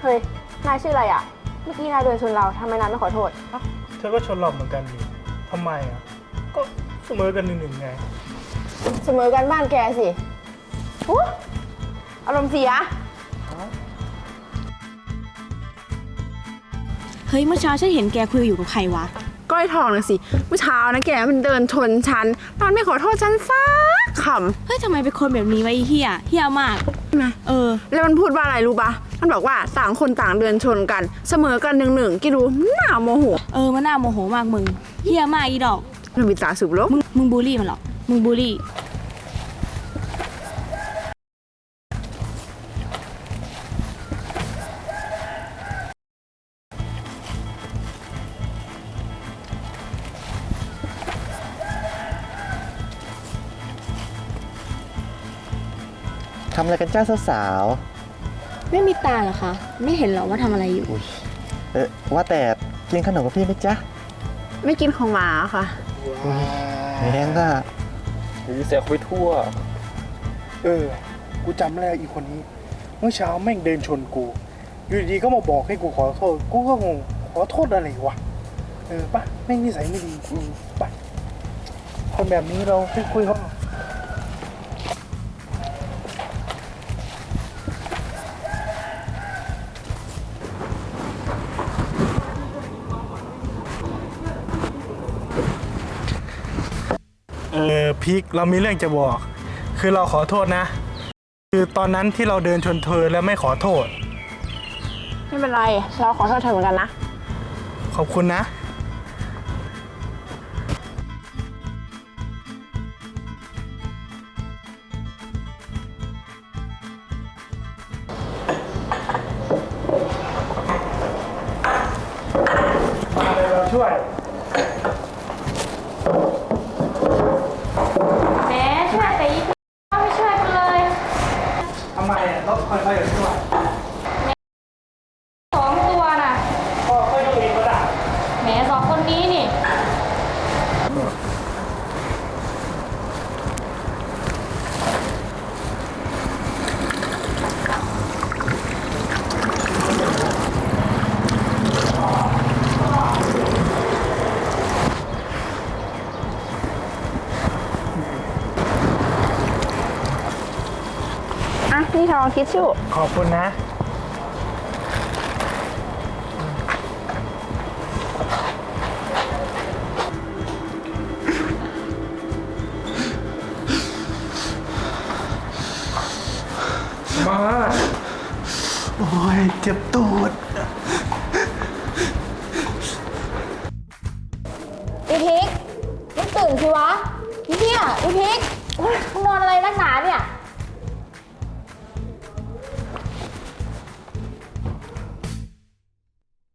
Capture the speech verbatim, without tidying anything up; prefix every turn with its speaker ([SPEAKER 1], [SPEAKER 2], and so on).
[SPEAKER 1] เฮ้ยนายชื่ออะไรอ่ะเมื่อกี้นายเดินชนเราทำไมนายไม่ขอโทษ
[SPEAKER 2] เธอก็ชนเราเหมือนกันดิทำไมอ่ะก็เสมอกันหนึ่งหนึ่งไง
[SPEAKER 1] เสมอกันบ้านแกสิอู้อารมณ์เสีย
[SPEAKER 3] เฮ้ยเมื่อเช้าฉันเห็นแกคุยอยู่กับใครวะ
[SPEAKER 1] ก้อยทองนะสิเมื่อเช้านะแกมันเดินชนฉันตอนไม่ขอโทษฉันสักคำ
[SPEAKER 3] เฮ้ยทำไมเป็นคนแบบนี้วะไอ้เฮียเฮียมาก
[SPEAKER 1] นะ
[SPEAKER 3] เออ
[SPEAKER 1] แล้วมันพูดว่าอะไรรู้ปะมันบอกว่าต่างคนต่างเดินชนกันเสมอกันหนึ่งหนึ่งกี่ดูหน้าโมโห
[SPEAKER 3] เออมันน่าโมโหมากมึงเฮียมากอีดอก
[SPEAKER 1] มันมีตาสุบลบ
[SPEAKER 3] มึงมึงบูลลี่มันหรอมึงบูลลี่
[SPEAKER 4] ทำอะไรกันจ้าสาว
[SPEAKER 3] ไม่มีตาเหรอคะไม่เห็นหรอว่าทำอะไรอยู่
[SPEAKER 4] เออว่าแต่กินขนมกับพี่ไหมจ๊ะ
[SPEAKER 1] ไม่กินของหมาค่ะ
[SPEAKER 4] แม่งอ่ะ
[SPEAKER 2] หรือเสียไปทั่วเออกูจำแล้วอีกคนนี้เมื่อเช้าแม่งเดินชนกูอยู่ดีๆก็มาบอกให้กูขอโทษกูก็งงขอโทษอะไรวะเออปะแม่งนิสัยไม่ดีปะคนแบบนี้เราไปคุยเขาเออพีคเรามีเรื่องจะบอกคือเราขอโทษนะคือตอนนั้นที่เราเดินชนเธอแล้วไม่ขอโทษ
[SPEAKER 1] ไม่เป็นไรเราขอโทษเธอเหมือนกันนะ
[SPEAKER 2] ขอบคุณนะมาเลยเราช่วยทำไมอ่ะรถคอยไปอยู่ด้วย
[SPEAKER 3] สองตัวน่ะ
[SPEAKER 2] ก็ค่อยดูอีกก็ได้
[SPEAKER 3] แหมสองคนนี้นี่
[SPEAKER 1] อ่ะนี่ทองทิชชู่
[SPEAKER 2] ขอบคุณนะมาโอ้ยเจ็บตูด
[SPEAKER 3] อีพิกมึงตื่นสิวะเฮียอีพิกมึงนอนอะไรนักหนาเนี่ย